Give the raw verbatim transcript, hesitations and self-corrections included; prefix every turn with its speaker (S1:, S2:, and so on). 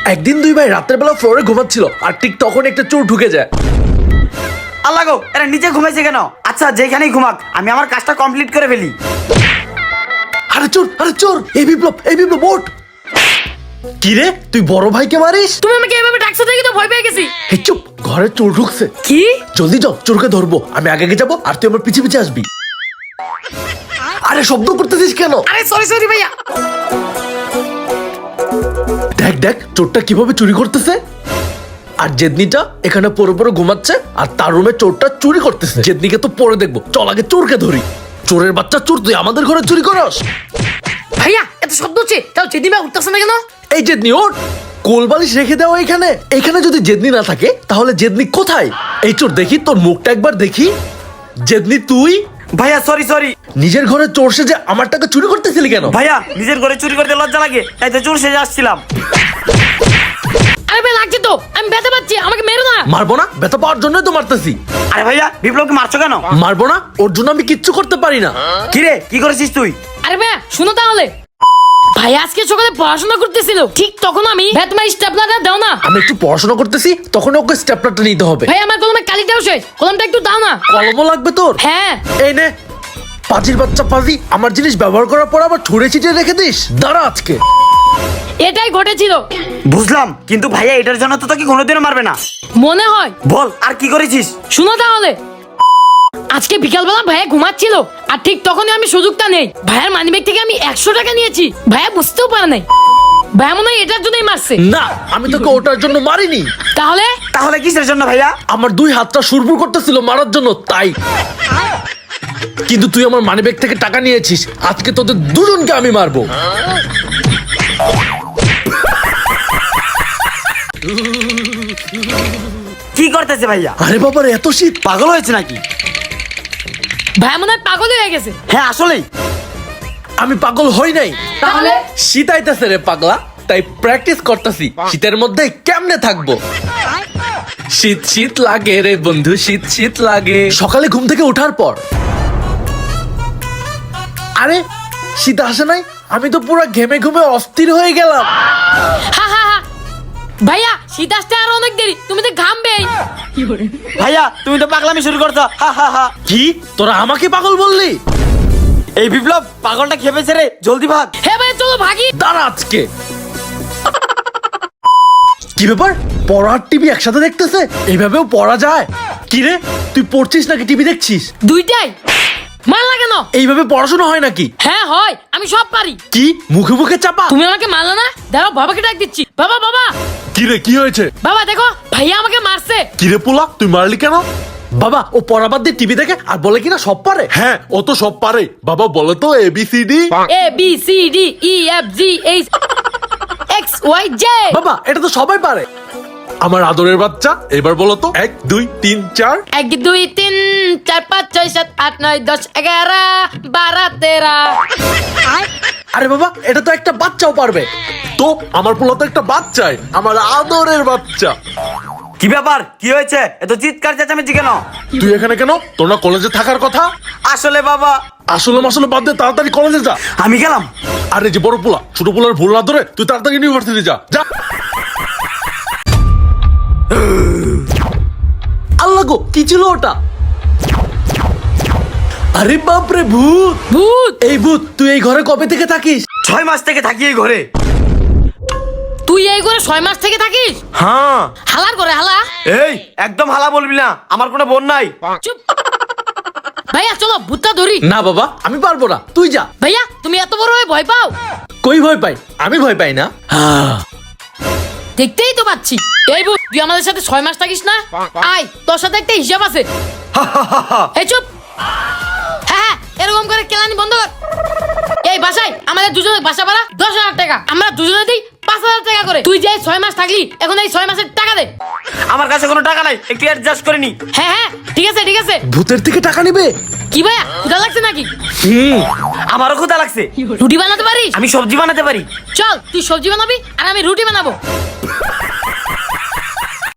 S1: একদিন দুই ভাই রাতের বেলা ফ্লোরে ঘুমাচ্ছিল আর ঠিক তখন একটা চোর ঢুকে যায়।
S2: আল্লাহ গো, এরা নিচে ঘুমাইছে কেন? আচ্ছা যেখানেই ঘুমাক, আমি আমার কাজটা কমপ্লিট করে ফেলি।
S1: আরে চোর, আরে চোর, এই বিপ্লব, এই বিপ্লব ওঠ। কি রে, তুই বড় ভাইকে মারিস?
S3: তুমি আমাকে এভাবে ডাকছো দেখি তো ভয় পেয়ে গেছি।
S1: হে চুপ, ঘরে চোর ঢুকছে।
S3: কি?
S1: জলদি যাও, চোরকে ধরবো। আমি আগে আগে যাবো আর তুই আমার পিছে পিছে আসবি। আরে শব্দ করতেছিস কেন?
S3: আরে সরি সরি ভাইয়া।
S1: দেখ দেখ চোরটা কিভাবে চুরি করতেছে। আর জেদনিটা এখানে পরে পরে ঘুমাচ্ছে আর তার রুমে চোরটা চুরি করতেছে। জেদনিকে তো পরে দেখবো, চল আগে চোরকে ধরি। চোরের বাচ্চা চোর, তুই আমাদের ঘরে চুরি করস?
S3: ভাইয়া এত শব্দ হচ্ছে, তাও জেদিমা উঠতেছে না কেন?
S1: এই জেদনি ওঠ, কোলবালিশ রেখে দাও এখানে। এখানে যদি জেদনি না থাকে তাহলে জেদনি কোথায়? এই চোর দেখি তোর মুখটা একবার দেখি। জেদনি তুই?
S2: ভাইয়া সরি সরি।
S1: নিজের ঘরে চোর সেজে আমার টাকা চুরি করতেছিলি কেন?
S2: ভাইয়া নিজের ঘরে চুরি করতে লজ্জা লাগে, তাই তো চোর সেজে আসছিলাম।
S3: আরে ভাই লাগছে তো, আমি ব্যথা পাচ্ছি, আমাকে মেরো না।
S1: মারবো না, ব্যথা পাওয়ার জন্যই তো মারতেছি।
S2: আরে ভাইয়া বিপ্লবকে মারছো কেন?
S1: মারবো না, ওর জন্য আমি কিচ্ছু করতে পারি না।
S2: কি রে, কি করেছিস তুই?
S3: আরে ভাইয়া শুনো তাহলে, ভাই আজকে সকালে পড়াশোনা করতেছিল, ঠিক তখন আমি ব্যাটমার স্টেপলারটা দাও না।
S1: আমি একটু পড়াশোনা করতেছি, তখন ওকে স্টেপলারটা নিতে হবে।
S3: ভাই আমার কলমে কালিটাও শেষ, কলমটা একটু দাও না।
S1: কলমও লাগবে তোর?
S3: হ্যাঁ।
S1: এই নে, পাজির বাচ্চা পাজি, আমার জিনিস ব্যবহার করার পর আবার ছুঁড়ে ছিটিয়ে রেখে দিস। দাঁড়া আজকে।
S3: এটাই ঘটেছিল।
S2: বুঝলাম, কিন্তু ভাইয়া এটার জন্য তো তোকে কোনোদিনও মারবে না।
S3: মনে হয়।
S2: বল আর কি করেছিস?
S3: শুনো তাহলে, আজকে বিকালবেলা ভাইয়া ঘুমাচ্ছিল আর ঠিক তখনই আমি সুযোগটা নেই, ভাইয়ার মানিব্যাগ থেকে আমি একশো টাকা নিয়েছি। ভাইয়া বুঝতেও পারে নাই, ভাইয়া মনে হয় এটার জন্যই মারছে।
S1: না, আমি তোকে ওটার জন্য মারিনি।
S3: তাহলে
S2: তাহলে কিসের জন্য ভাইয়া?
S1: আমার দুই হাতটা সুরপুর করতেছিল মারার জন্য, তাই। কিন্তু তুই আমার মানিব্যাগ থেকে টাকা নিয়েছিস, আজকে তোদের দুজনকে আমি মারবো।
S2: কি করতেছে ভাইয়া?
S1: আরে বাবার এত শীত,
S2: পাগল হয়েছে নাকি?
S3: ভাইয়া মনে হয় পাগল হয়ে গেছে।
S2: হ্যাঁ আসলেই।
S1: আমি পাগল হই নাই।
S3: তাহলে
S1: শীত আইতাছে রে পাগলা, তাই প্র্যাকটিস করতেছি শীতের মধ্যে কেমনে থাকবো। শীত শীত লাগে রে বন্ধু, শীত শীত লাগে। সকালে ঘুম থেকে ওঠার পর আরে শীত আসে নাই, আমি তো পুরো ঘেমে ঘুমে অস্থির হয়ে গেলাম।
S3: হা হা হা। ভাইয়া শীত আসতে আর অনেক দেরি, তুমি তো ঘামবেই।
S2: ভাইয়া তুমি তো পাগলামি শুরু করছো। হা হা হা।
S1: কি তোরা আমাকে পাগল বললি?
S2: এই বিপ্লব পাগলটা খেপেছে রে, জলদি ভাগ।
S3: হ্যাঁ ভাই চলো ভাগি।
S1: দাঁড়া আজকে। কি ব্যাপার, পড়ার টিভি একসাথে দেখতেছে? এইভাবেও পড়া যায়? কি রে, তুই পড়ছিস নাকি টিভি দেখছিস?
S3: দুইটাই। মারলা কেন?
S1: এইভাবে পড়াশোনা হয় নাকি?
S3: হ্যাঁ হয়, আমি সব পারি।
S1: কি মুখে মুখে চাপা?
S3: তুমি আমাকে মারলা না, দাঁড়াও বাবাকে ডাক দিচ্ছি। বাবা বাবা
S4: কি রে, কি হয়েছে?
S3: বাবা দেখো ভাইয়া আমাকে মারছে।
S4: কি রে পোলা, তুই মারলি কেন?
S1: বাবা ও পড়া বাদ দিয়ে টিভি দেখে আর বলে কিনা সব পারে।
S4: হ্যাঁ ও তো সব পারে। বাবা বলে তো A B C D.
S3: A B C D E F G H X Y J.
S1: বাবা এটা তো সবাই পারে।
S4: আমার আদরের বাচ্চা, এবার বলো তো এক দুই তিন চার।
S3: এক দুই তিন চার পাঁচ ছয় সাত আট নয় দশ এগারো বারো তেরো।
S1: আরে বাবা এটা তো একটা বাচ্চাও পারবে।
S4: তো আমার পোলা তো একটা বাচ্চাই, আমার আদরের বাচ্চা।
S2: কি ব্যাপার, কি হয়েছে? এত চিৎকার চেঁচামেচি কেন?
S4: তুই এখানে কেন? তোর না কলেজে থাকার কথা?
S2: আসলে বাবা।
S4: আসলে মাসলে বাদ দে, তাড়াতাড়ি কলেজে যা।
S2: আমি গেলাম।
S4: আরে যে বড় পোলা, ছোট পোলার ভুল না ধরে তুই তাড়াতাড়ি ইউনিভার্সিটি যা যা।
S1: আল্লাহ গো, কি ছিল ওটা? আরে বাপরে ভূত।
S3: ভূত?
S1: এই ভূত, তুই এই ঘরে কবে থেকে থাকিস?
S2: ছয় মাস থেকে থাকি এই ঘরে।
S3: তুই এই করে ছয় মাস থেকে থাকিস?
S2: হ্যাঁ।
S3: হালার করে হালা।
S2: এই একদম হালা বলবি না, আমার কোনো বোন নাই।
S3: চুপ। ভাইয়া চলো ভূতটা ধরি।
S1: না বাবা আমি পারবো না, তুই যা।
S3: ভাইয়া তুমি এত বড় হয়ে ভয় পাও?
S1: কই ভয় পাই? আমি ভয় পাই না। হ্যাঁ।
S3: দেখতেই তো পাচ্ছি। এই ভূত তুই আমাদের সাথে ছয় মাস থাকিস না? আয় তোর সাথে একটা হিসাব আছে। এই চুপ। হ্যাঁ হ্যাঁ এরকম করে কেলানি বন্ধ কর। এই বাসায় আমাদের দুজনের বাসা ভাড়া দশ হাজার টাকা, আমরা দুজনে দিই পাঁচ হাজার টাকা করে। তুই যে ছয় মাস থাকলি, এখন এই ছয় মাসের টাকা দে।
S2: আমার কাছে কোনো টাকা নাই, একটু অ্যাডজাস্ট করে নি।
S3: হ্যাঁ হ্যাঁ ঠিক আছে ঠিক আছে।
S1: ভূতের থেকে টাকা নিবে?
S3: কি ভাইয়া ক্ষুধা লাগছে নাকি?
S1: হুম।
S2: আমারও ক্ষুধা লাগছে।
S3: রুটি বানাতে পারিস?
S2: আমি সবজি বানাতে পারি।
S3: চল তুই সবজি বানাবি আর আমি রুটি বানাবো।